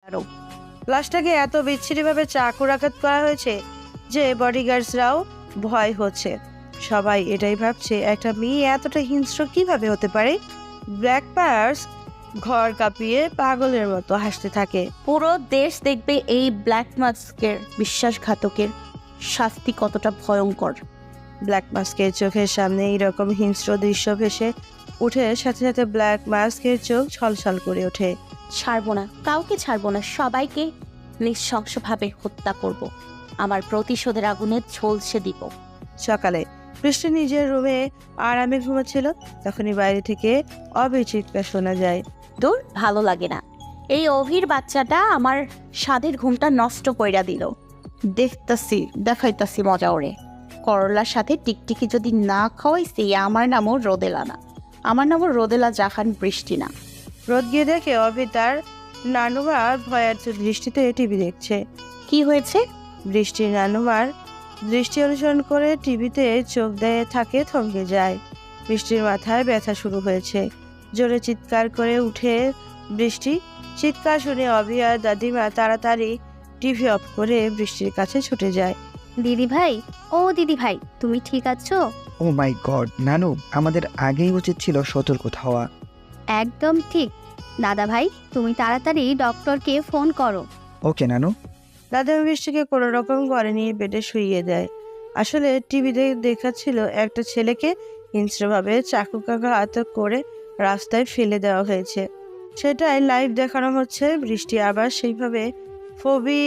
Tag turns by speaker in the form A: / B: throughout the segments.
A: আরো লাশটাকে এত বিচ্ছিরিভাবে চাকুরাঘাত করা হয়েছে যে বডিগার্ডসরাও ভয় হচ্ছে। সবাই এটাই ভাবছে একটা মেয়ে এতটা হিংস্র কিভাবে হতে পারে। ব্ল্যাক পার্স ঘর কাঁপিয়ে পাগলের মতো হাসতে থাকে।
B: পুরো দেশ দেখবে এই ব্ল্যাক মাস্কের বিশ্বাসঘাতকের শাস্তি কতটা ভয়ঙ্কর।
A: ব্ল্যাক মাস্কের চোখের সামনে এইরকম হিংস্র দৃশ্য ভেসে উঠে সাথে সাথে ব্ল্যাক মাস্কের চোখ ছলছল করে ওঠে।
B: ছাড়বো না, কাউকে ছাড়বো না, সবাইকে নৃশংসভাবে হত্যা করব। আমার প্রতিশোধের আগুনে ঝলসে দিব।
A: সকালে বৃষ্টি নিজের রুমে আরামে ঘুমাচ্ছিল, তখনই বাইরে থেকে অবির চিৎকার শোনা যায়।
B: দূর, ভালো লাগে না। এই অভির বাচ্চাটা আমার স্বাদের ঘুমটা নষ্ট কইরা দিল। দেখাইতাছি মজা ওরে। করলার সাথে টিকটিকি যদি না খাওয়াইছি, আমার নামও রোদেলা না, আমার নামও রোদেলা জাহান বৃষ্টি না।
A: রোদ গিয়ে দেখে অভি তার নানুমার ভয়ার্থ দৃষ্টিতে টিভি দেখছে।
B: কি হয়েছে?
A: বৃষ্টির নানুমার দৃষ্টি অনুসরণ করে টিভিতে চোখ দিয়ে থাকে, থমকে যায়। বৃষ্টির মাথায় ব্যথা শুরু হয়েছে। জোরে চিৎকার করে উঠে বৃষ্টি। চিৎকার শুনে অভি আর দাদিমা তাড়াতাড়ি টিভি অফ করে বৃষ্টির কাছে ছুটে যায়।
C: দিদি ভাই, ও দিদি ভাই, তুমি ঠিক আছো?
D: ও মাই গড নানু, আমাদের আগেই উচিত ছিল সতর্ক হওয়া।
C: একদম ঠিক। দাদা ভাই, তুমি তাড়াতাড়ি ডক্টরকে ফোন করো।
D: ওকে নানু।
A: দাদিমা বৃষ্টিকে কোনো রকম ঘরে নিয়ে বেডে শুইয়ে দেয়। আসলে টিভিতে দেখাচ্ছিল একটা ছেলেকে হিংস্রভাবে চাকুকাঘাত করে রাস্তায় ফেলে দেওয়া হয়েছে। সেটাই লাইভ দেখানো হচ্ছে। বৃষ্টি আবার সেইভাবে ফোবি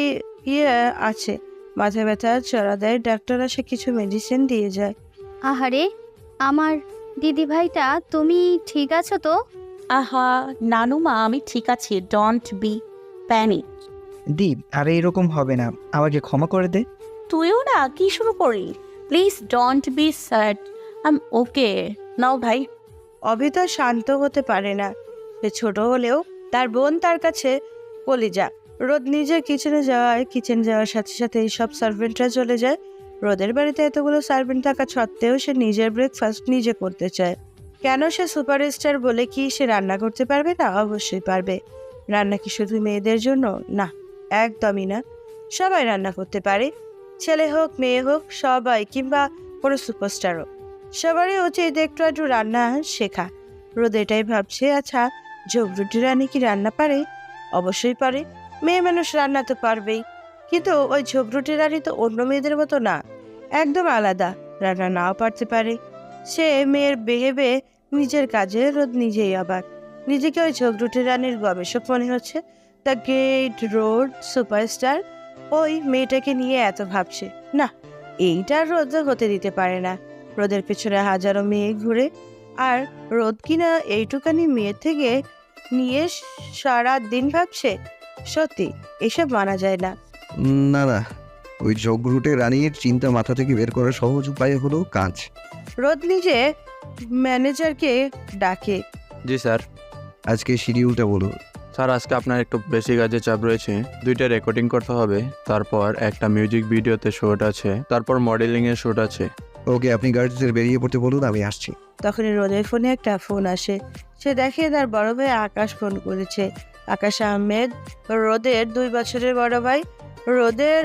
A: আছে। মাথা ব্যথা চড়া দেয়। ডাক্তার আসে, কিছু মেডিসিন দিয়ে যায়।
C: আহারে, আমার দিদি ভাইটা, তুমি ঠিক আছো তো?
B: আহা নানুমা, আমি ঠিক আছি, ডোন্ট বি প্যানিক।
D: দীপ, আর এরকম হবে না, আমাকে ক্ষমা করে দে।
B: তুইও না কি শুরু করি? Please don't be sad, I am okay now ভাই।
A: অভিতা শান্ত হতে পারে না। সে ছোট হলেও তার বোন তার কাছে কলিজা। রোদ নিজের কিচেনে যাওয়ার সাথে সাথে সব সার্ভেন্টরা চলে যায়। রোদের বাড়িতে এতগুলো সার্ভেন্ট থাকা সত্ত্বেও সে নিজের ব্রেকফাস্ট নিজে করতে চায়। কেন? সে সুপারস্টার বলে কি সে রান্না করতে পারবে না? অবশ্যই পারবে। রান্না কি শুধু মেয়েদের জন্য? না, একদমই না। সবাই রান্না করতে পারে, ছেলে হোক মেয়ে হোক, সবাই, কিংবা কোনো সুপারস্টারও। সবারই উচিত একটু একটু রান্না শেখা। রোদ এটাই ভাবছে। আচ্ছা, ঝগড়ুটি রানী কি রান্না পারে? অবশ্যই পারে। মেয়ে মানুষ রান্না তো পারবেই, কিন্তু ওই ঝগড়ুটি রানী তো অন্য মেয়েদের মতো না, একদম আলাদা। রান্না নাও পারতে পারে। সে মেয়ের বেহেবে নিজের কাজে রোদ নিজেই অবাক। নিজেকে ওই ঝগড়ুটি রানীর গবেষক মনে হচ্ছে। দ্য গ্রেট রোড সুপারস্টার ওই মেয়েটাকে নিয়ে এত ভাবছে। না, এইটা রোদ হতে দিতে পারে না। রোদের পেছনে হাজারো মেয়ে ঘুরে, আর রোদ কিনা এইটুকানি মেয়ে থেকে নিয়ে সারা দিন ভাবছে। সত্যি এসব মানা যায় না।
E: না না, ওই জগরুটে রানীর চিন্তা মাথা থেকে বের করার সহজ উপায় হলো কাজ।
A: রোদ নিজে ম্যানেজারকে ডাকে।
F: জি স্যার।
E: আজকে শিডিউলটা বলো।
F: স্যার, আজকে আপনার একটু বেশি কাজের চাপ রয়েছে। 2টা রেকর্ডিং করতে হবে, তারপর একটা মিউজিক ভিডিওতে শুট আছে, তারপর মডেলিংয়ের শুট আছে।
E: ওকে, আপনি গার্ডসদের বেরিয়ে পড়তে বলুন, আমি আসছি।
A: তখনই রোদের ফোনে একটা ফোন আসে। সে দেখে তার বড় ভাই আকাশ ফোন করেছে। আকাশ আহমেদ রোদের 2 বছরের বড় ভাই। রোদের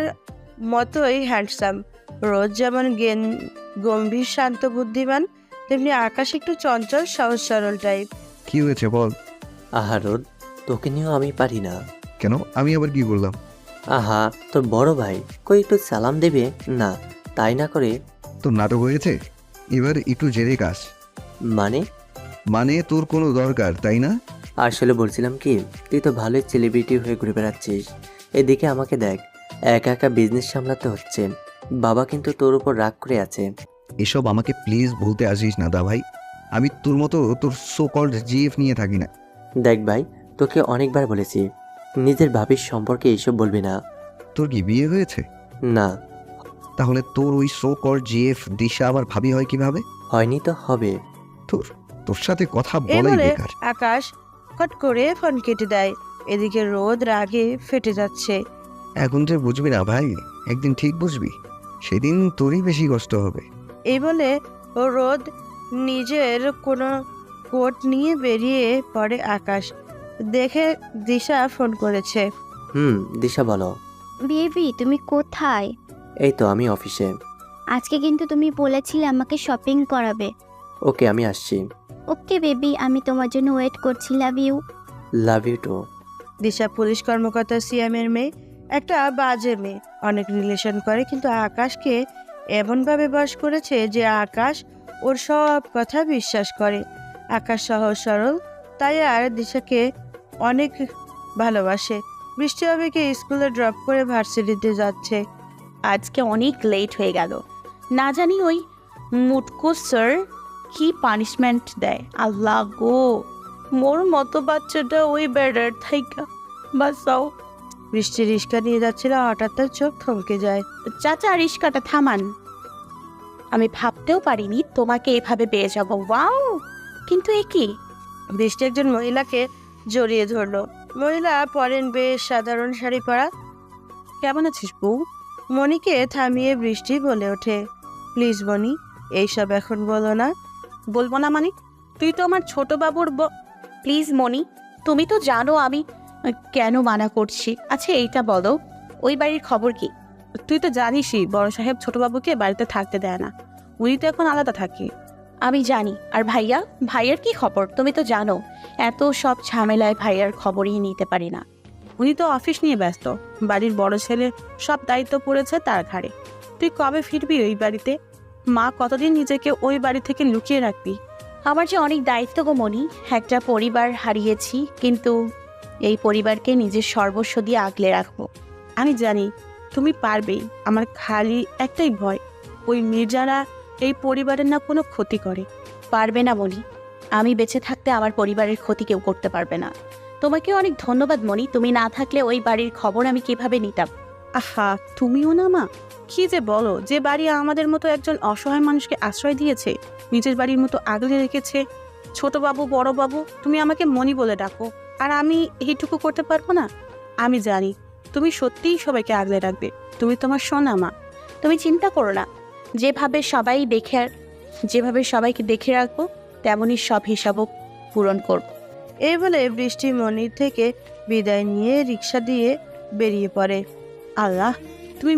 A: মতোই হ্যান্ডসাম। রোদ যেমন গম্ভীর শান্ত বুদ্ধিমান, তেমনি আকাশ একটু চঞ্চল সহজ সরল টাইপ।
E: কি হয়েছে বল।
G: আহা রোদ, তোকে নিয়েও আমি পারি না।
E: কেন? আমি আবার কি করলাম?
G: আহা, তোর বড় ভাই কই একটু সালাম দেবে না, তাই না করে।
E: তোর নাটক হয়েছে, এবার একটু জেরে কাজ।
G: মানে
E: তোর কোনো দরকার, তাই না?
G: আসলে বলছিলাম কি, তুই তো ভালোই সেলিব্রিটি হয়ে ঘুরে বেড়াচ্ছিস, এদিকে আমাকে দেখ, একা একা বিজনেস সামলাতে হচ্ছে। বাবা কিন্তু তোর উপর রাগ করে আছে।
E: এসব আমাকে প্লিজ বলতে আসিস না দা ভাই। আমি তোর মতো তোর সো কল্ড জিএফ নিয়ে থাকি না।
G: দেখ ভাই, তোকে অনেকবার বলেছি নিজের ভাবির সম্পর্কে এইসব বলবি না।
E: তোর কি বিয়ে হয়েছে?
G: না।
E: তাহলে তোর ওই সো কল্ড জিএফ দিশা আবার ভাবি হয় কিভাবে?
G: হয়নি তো হবে।
E: তোর সাথে কথা
A: এই
E: বলাই
A: বলে
E: বেকার।
A: আকাশ ফট করে ফোন কেটে দেয়। এদিকে রোদ রাগে ফেটে যাচ্ছে।
E: এখন যে বুঝবি না ভাই, একদিন ঠিক বুঝবি, সেদিন তোরই বেশি কষ্ট হবে।
A: এই বলে রোদ নিজের কোনো কোট নিয়ে বেরিয়ে পড়ে। আকাশ দেখে দিশা ফোন করেছে।
G: দিশা বলো।
C: বেবি তুমি কোথায়?
G: এই তো আমি অফিসে।
C: আজকে কিন্তু তুমি বলেছিলে আমাকে শপিং করাবে।
G: ওকে, আমি আসছি।
C: ওকে বেবি, আমি তোমার জন্য ওয়েট করছি। Love you.
G: Love you too.
A: Disha police কর্মকর্তা সিএমের মেয়ে, একটা বাজে মেয়ে, অনেক রিলেশন করে, কিন্তু আকাশকে এমনভাবে বশ করেছে যে আকাশ ওর সব কথা বিশ্বাস করে। আকাশ সহজ সরল, তাই আর দিশাকে অনেক ভালোবাসে। বৃষ্টি আবেগে স্কুলে ড্রপ করে ভার্সিটিতে যাচ্ছে।
B: আজকে অনেক লেট হয়ে গেল। না জানি ওই মুটকু স্যার কি পানিশমেন্ট দেয়। আল্লাহ গো, মোর মতো বাচ্চাটা ওই বেড়ার থাইকা বাঁচাও।
A: বৃষ্টি রিক্সা নিয়ে যাচ্ছিল, হঠাৎ তার চোখ থমকে যায়।
B: চাচা রিস্কাটা থামান। আমি ভাবতেও পারিনি তোমাকে এভাবে পেয়ে যাবো। ওয়াও, কিন্তু এ কি?
A: বৃষ্টি একজন মহিলাকে জড়িয়ে ধরলো। মহিলা পরেন বেশ সাধারণ শাড়ি পরা।
B: কেমন আছিস বউ?
A: মণিকে থামিয়ে বৃষ্টি বলে ওঠে, প্লিজ মণি, এইসব এখন বলো না।
B: বলবো না মানে? তুই তো আমার ছোট বাবুর প্লিজ মনি, তুমি তো জানো আমি কেন মানা করছি। আচ্ছা এইটা বলো, ওই বাড়ির খবর কি?
H: তুই তো জানিসই বড় সাহেব ছোটবাবুকে বাড়িতে থাকতে দেয় না। উনি তো এখন আলাদা থাকে।
B: আমি জানি। আর ভাইয়ার কি খবর? তুমি তো জানো এত সব ঝামেলায় ভাইয়ার খবরই নিতে পারি না।
H: উনি তো অফিস নিয়ে ব্যস্ত। বাড়ির বড় ছেলে সব দায়িত্ব পড়েছে তার ঘাড়ে। তুই কবে ফিরবি ওই বাড়িতে? মা কতদিন নিজেকে ওই বাড়ি থেকে লুকিয়ে রাখবি?
B: আমার যে অনেক দায়িত্ব গো মনি। একটা পরিবার হারিয়েছি, কিন্তু এই পরিবারকে নিজের সর্বস্ব দিয়ে আগলে রাখবো।
H: আমি জানি তুমি পারবেই। আমার খালি একটাই ভয়, ওই মির্জারা এই পরিবারের না কোনো ক্ষতি করে।
B: পারবে না মনি, আমি বেঁচে থাকতে আমার পরিবারের ক্ষতি কেউ করতে পারবে না। তোমাকে অনেক ধন্যবাদ মনি, তুমি না থাকলে ওই বাড়ির খবর আমি কিভাবে নিতাম।
H: আহা, তুমিও না মা, কি যে বলো। যে বাড়ি আমাদের মতো একজন অসহায় মানুষকে আশ্রয় দিয়েছে, নিজের বাড়ির মতো আগলে রেখেছে। ছোটবাবু বড়বাবু তুমি আমাকে মনি বলে ডাকো, আর আমি এইটুকু করতে পারবো না? আমি জানি তুমি সত্যিই সবাইকে আগলে রাখবে। তুমি তোমার সোনা মা।
B: তুমি চিন্তা করো না, যেভাবে সবাইকে দেখে রাখবো তেমনই সব হিসাবও পূরণ করব।
A: এই বলে বৃষ্টি মনির থেকে বিদায় নিয়ে রিক্সা দিয়ে বেরিয়ে পড়ে।
H: আল্লাহ তুমি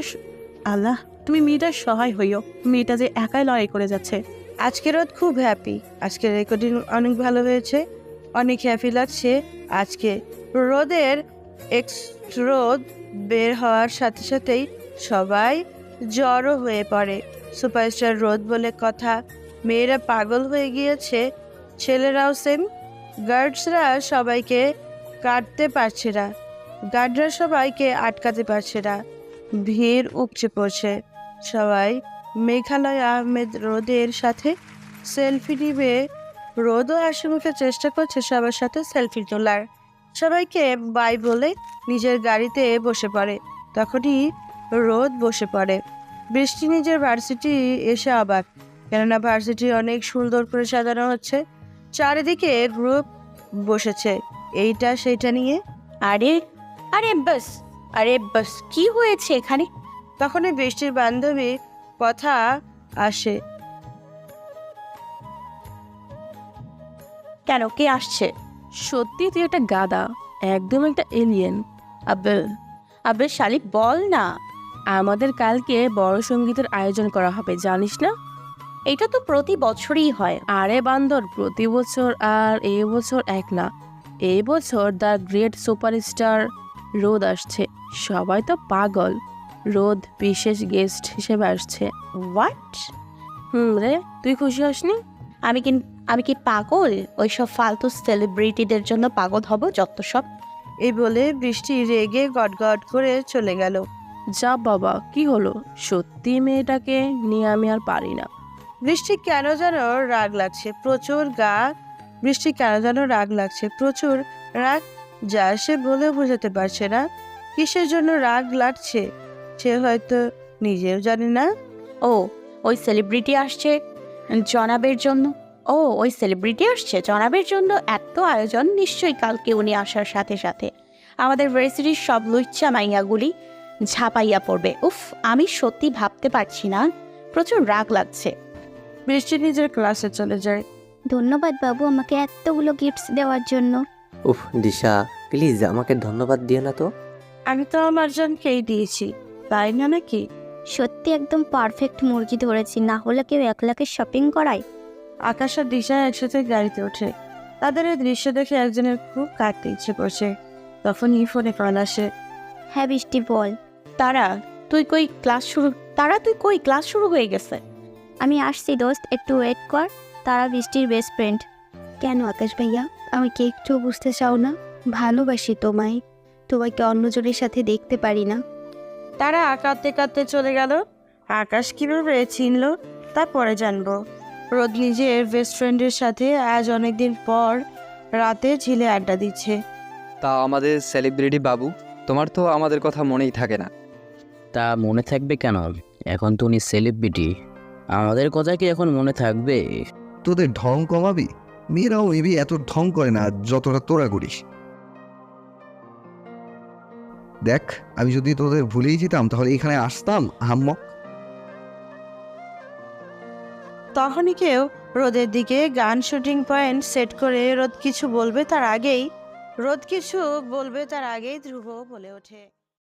H: মেয়েটার সহায় হইও। মেয়েটা যে একাই লড়াই করে যাচ্ছে।
A: আজকে রোদ খুব হ্যাপি। আজকে রেকর্ডিং অনেক ভালো হয়েছে, অনেক হ্যাপি লাগছে। আজকে রোদের রোদ বের হওয়ার সাথে সাথেই সবাই জড়ো হয়ে পড়ে। সুপারস্টার রোদ বলে কথা। মেয়েরা পাগল হয়ে গিয়েছে, ছেলেরাও সেম। গার্ডসরা সবাইকে কাটতে পারছে না, গার্ডরা সবাইকে আটকাতে পারছে না। ভিড় উপচে পড়ছে। সবাই মেঘালয় আহমেদ রোদের সাথে সেলফি নিবে। রোদও হাসিমুখে চেষ্টা করছে সবার সাথে সেলফি তোলার। সবাইকে বাই বলে নিজের গাড়িতে বসে পড়ে। তখনই রোদ বসে পড়ে। বৃষ্টি নিজের ভার্সিটি এসে অবাক, কেননা ভার্সিটি অনেক সুন্দর করে সাজানো হচ্ছে। চারিদিকে গ্রুপ বসেছে এইটা সেইটা নিয়ে।
B: আরে আরে বাস কি হয়েছে এখানে?
A: তখনই বৃষ্টির বান্ধবী কথা আসে।
B: কেন, কে আসছে?
H: সত্যি তুই একটা গাদা, একদম একটা এলিয়েন।
B: আবে শালিক বল না।
H: আমাদের কালকে বড় সঙ্গীতের আয়োজন করা হবে, জানিস না?
B: এটা তো প্রতি বছরই হয়।
H: আরে বান্দর, প্রতি বছর আর এই বছর এক না। এই বছর দ্য গ্রেট সুপারস্টার রোদ আসছে। সবাই তো পাগল। রোদ বিশেষ গেস্ট হিসেবে আসছে।
B: হোয়াট?
H: রে, তুই খুশি হসনি?
B: আমি কি পাগল? ওইসব ফালতু সেলিব্রিটিদের জন্য পাগল হব যত সব।
A: এই বলে বৃষ্টি রেগে গটগট করে চলে গেল।
H: যা বাবা, কি হলো? সত্যি মেয়েটাকে নিয়ে আমি আর পারি না।
A: বৃষ্টি কেন যেন রাগ লাগছে, প্রচুর বৃষ্টি কেন যেন রাগ লাগছে, প্রচুর রাগ, যা সে বলে বোঝাতে পারছে না। কিসের জন্য রাগ লাগছে সে হয়তো নিজেও জানে না।
B: ওই সেলিব্রিটি আসছে জনাবের জন্য এত আয়োজন। নিশ্চয়ই কালকে উনি আসার সাথে সাথে আমাদের ভার্সিটির সব লুচ্চা মাইয়াগুলি ঝাঁপাইয়া পড়বে। উফ, আমি সত্যি ভাবতে পারছি না, প্রচুর রাগ লাগছে।
A: বৃষ্টি নিজের ক্লাসে চলে যায়।
C: ধন্যবাদ বাবু আমাকে এতগুলো গিফটস দেওয়ার জন্য।
G: উফ দিশা, প্লিজ আমাকে ধন্যবাদ দিও না তো।
A: আমি তো আমার জনকেই দিয়েছি, তাই না নাকি?
C: সত্যি একদম পারফেক্ট মুরগি ধরেছি, না হলে কেউ 1 লাখের শপিং করায়।
A: আকাশ আর দিশা একসাথে গাড়িতে ওঠে। তাদের এই দৃশ্য দেখে একজনের খুব কাটতে ইচ্ছে করছে। তখনই ফোনে কল আসে।
C: হ্যাঁ বৃষ্টি বল।
B: তারা তুই কই ক্লাস শুরু হয়ে গেছে।
C: আমি আসছি দোস্ত, একটু ওয়েট কর। তারা বৃষ্টির বেস্ট ফ্রেন্ড। কেন আকাশ ভাইয়া, আমাকে একটু বুঝতে চাও না? ভালোবাসি তোমায়, তোমাকে অন্যজনের সাথে দেখতে পারি না।
A: তারা কাঁদতে কাঁদতে চলে গেল। আকাশ কিভাবে চিনলো তারপরে জানবো। রোদ নিজের বেস্ট ফ্রেন্ডের সাথে আজ অনেকদিন পর রাতে ঝিলে আড্ডা দিচ্ছে।
I: তা আমাদের সেলিব্রিটি বাবু, তোমার তো আমাদের কথা মনেই থাকে না।
J: তা মনে থাকবে কেন? এখন তো উনি সেলিব্রিটি, আমাদের কথা কি এখন মনে থাকবে?
E: তোদের ঢং কমাবি? মেয়েরাও মেবি এত ঢং করে না যতটা তোরা করিস। দেখ, আমি যদি তোদের ভুলেই যেতাম তাহলে এখানে আসতাম হাম্মক।
A: তখনই কেউ রোদের দিকে গান শুটিং পয়েন্ট সেট করে রোদ কিছু বলবে তার আগেই ধ্রুব বলে ওঠে।